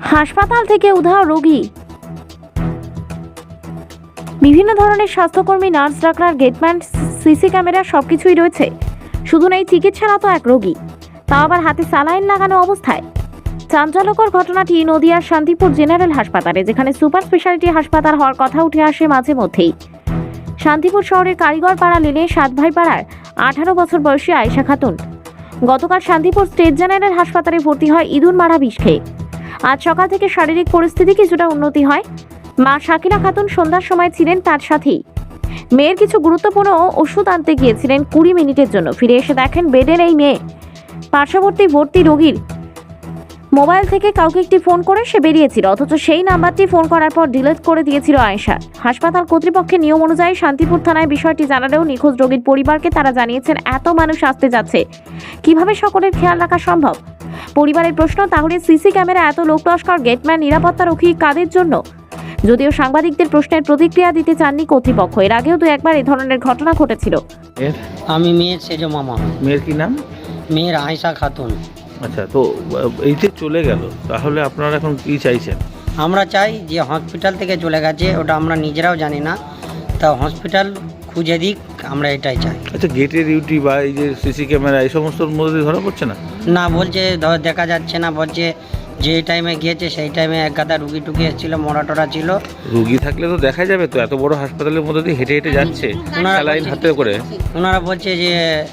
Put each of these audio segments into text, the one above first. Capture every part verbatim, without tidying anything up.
হাসপাতাল থেকে উধাও রোগী। বিভিন্ন ধরনের স্বাস্থ্যকর্মী, nurse, doctor, gateman, CC camera সবকিছুই রয়েছে, শুধু নেই চিকিৎসারত এক রোগী, তাও আবার হাতে স্যালাইন লাগানো অবস্থায়। চাঞ্চল্যকর ঘটনাটি নদিয়ার শান্তিপুর জেনারেল হাসপাতালে, যেখানে সুপার স্পেশালিটি হাসপাতাল হওয়ার কথা উঠে আসে মাঝে মধ্যেই। শান্তিপুর শহরের কারিগর পাড়া লেনে সাতভাই পাড়ার আঠারো বছর বয়সী আয়েশা খাতুন গতকাল শান্তিপুর স্টেট জেনারেল হাসপাতালে ভর্তি হয় ইঁদুর মারা বিষ খেয়ে। আজ সকাল থেকে শারীরিক পরিস্থিতি কিছুটা উন্নতি হয়। মা শাকিলা খাতুন সন্ধ্যার সময় ছিলেন তার সাথেই। মেয়ের কিছু গুরুত্বপূর্ণ ওষুধ আনতে গিয়েছিলেন কুড়ি মিনিটের জন্য। ফিরে এসে দেখেন বেডে নেই মেয়ে। পার্শ্ববর্তী ভর্তি রোগীর মোবাইল থেকে কাউকে একটি ফোন করে সে বেরিয়েছিল, অথচ সেই নাম্বারটি ফোন করার পর ডিলিট করে দিয়েছিল আয়েশা। হাসপাতাল কর্তৃপক্ষের নিয়ম অনুযায়ী শান্তিপুর থানায় বিষয়টি জানালেও নিখোঁজ রোগীর পরিবারকে তারা জানিয়েছেন এত মানুষ আসতে যাচ্ছে, কিভাবে সকলের খেয়াল রাখা সম্ভব। পরিবারের প্রশ্ন, তাহলে সিসি ক্যামেরা, এত লোক লস্কর, গেটম্যান, নিরাপত্তারক্ষী কাদের জন্য? যদিও সাংবাদিকদের প্রশ্নের প্রতিক্রিয়া দিতে চাননি কর্তৃপক্ষ। এর আগেও দু একবার এই ধরনের ঘটনা ঘটেছিল। আমি মেয়ের সেজ মামা। মেয়ের কি নাম? মেয়ের আয়েশা খাতুন। আচ্ছা, তো এইতে চলে গেল, তাহলে আপনারা এখন কি চাইছেন? আমরা চাই যে হসপিটাল থেকে চলে গেছে, ওটা আমরা নিজেরাও জানি না, তা হসপিটাল খুঁজে দিক, আমরা এটাই চাই। আচ্ছা, গেটের ডিউটি বা এই যে সিসি ক্যামেরা এই সমস্তর মধ্যে ধরা পড়ছে না? না, বলছে ধর দেখা যাচ্ছে না, বলছে যে টাইমে গিয়েছে সেই টাইমে এক গাদা রুগী টুকি এসেছিল, মরা টরা ছিল। রুগী থাকলে তো দেখা যাবে তো, এত বড় হাসপাতালের মধ্যে দিয়ে হেঁটে হেঁটে যাচ্ছে স্যালাইন হাতে করে। ওনারা বলছে যে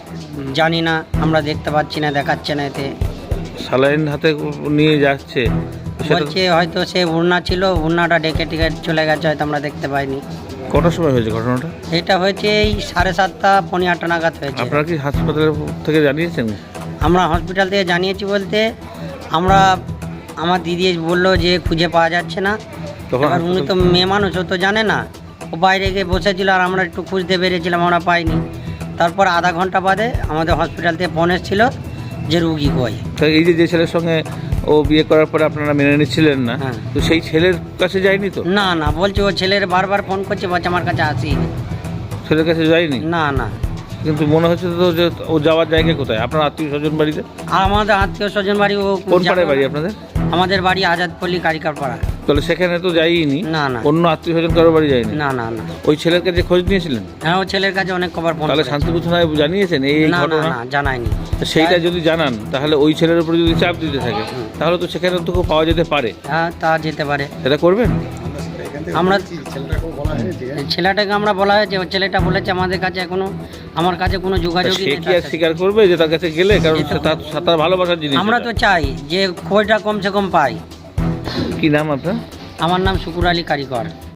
জানি না, আমরা দেখতে পাচ্ছি না, দেখাচ্ছে না, এতে স্যালাইন হাতে নিয়ে যাচ্ছে। সেটা বলছে হয়তো সে উড়না ছিল, উড়নাটা ডেকে টেকে চলে গেছে, হয়তো আমরা দেখতে পাইনি। কটার সময় হয়েছে ঘটনাটা? এটা হয়েছে এই সাড়ে সাতটা পনেরো আটটা নাগাদ হয়েছে। আপনারা কি হাসপাতাল থেকে জানিয়েছেন? আমরা হসপিটাল থেকে জানিয়েছি বলতে, আমরা আমার দিদি বললো যে খুঁজে পাওয়া যাচ্ছে না। তখন আর উনি তো মেয়ে মানুষ, ও তো জানে না, ও বাইরে গিয়ে বসেছিল আর আমরা একটু খুঁজতে বেরিয়েছিলাম, আমরা পাইনি। তারপর আধা ঘন্টা বাদে আমাদের হসপিটাল থেকে ফোন এসেছিল যে রুগী কই। এই যে যে ছেলের সঙ্গে ও বিয়ে করার পরে আপনারা মেনে নিচ্ছিলেন না, হ্যাঁ। তো সেই ছেলের কাছে যায়নি তো? না না, বলছে ও ছেলের বারবার ফোন করছে, বলছে আমার কাছে আসি। ছেলের কাছে যায়নি? না না। কিন্তু মনে হচ্ছে তো যে ও যাওয়ার জায়গা কোথায়? আপনার আত্মীয় স্বজন বাড়িতে? আর আমাদের আত্মীয় স্বজন বাড়ি ও কোন পাড়ায় বাড়ি আপনাদের? আমাদের বাড়ি আজাদপল্লী কারিকার পাড়া। তাহলে সেখানে তো যাইনি? না না। অন্য আত্মীয় স্বজন কারো বাড়ি যায়নি? না না না। ওই ছেলের কাছে খোঁজ নিয়েছিলেন? হ্যাঁ, ও ছেলের কাছে অনেক কবার ফোন। তাহলে শান্তিপুর থানায় জানিয়েছেন এই না না ঘটনা? না, জানাইনি। সেইটা যদি জানান, তাহলে ওই ছেলের উপরে যদি চাপ দিতে থাকে, তাহলে তো সেখানে তো পাওয়া যেতে পারে। হ্যাঁ, তা যেতে পারে। সেটা করবেন? আমরা ছেলেটাকে আমরা বলা হয়েছে, ওই ছেলেটা বলেছে আমাদের কাছে এখনো, আমার কাছে কোনো যোগাযোগই সে নেই। কি আর স্বীকার করবে যে তার কাছে গেলে? কারণ সে তার তার ভালোবাসার জিনিস। আমরা তো চাই যে খোঁজটা কমসে কম পাই। কি নাম আপনার? আমার নাম শুকুর আলী কারিগর।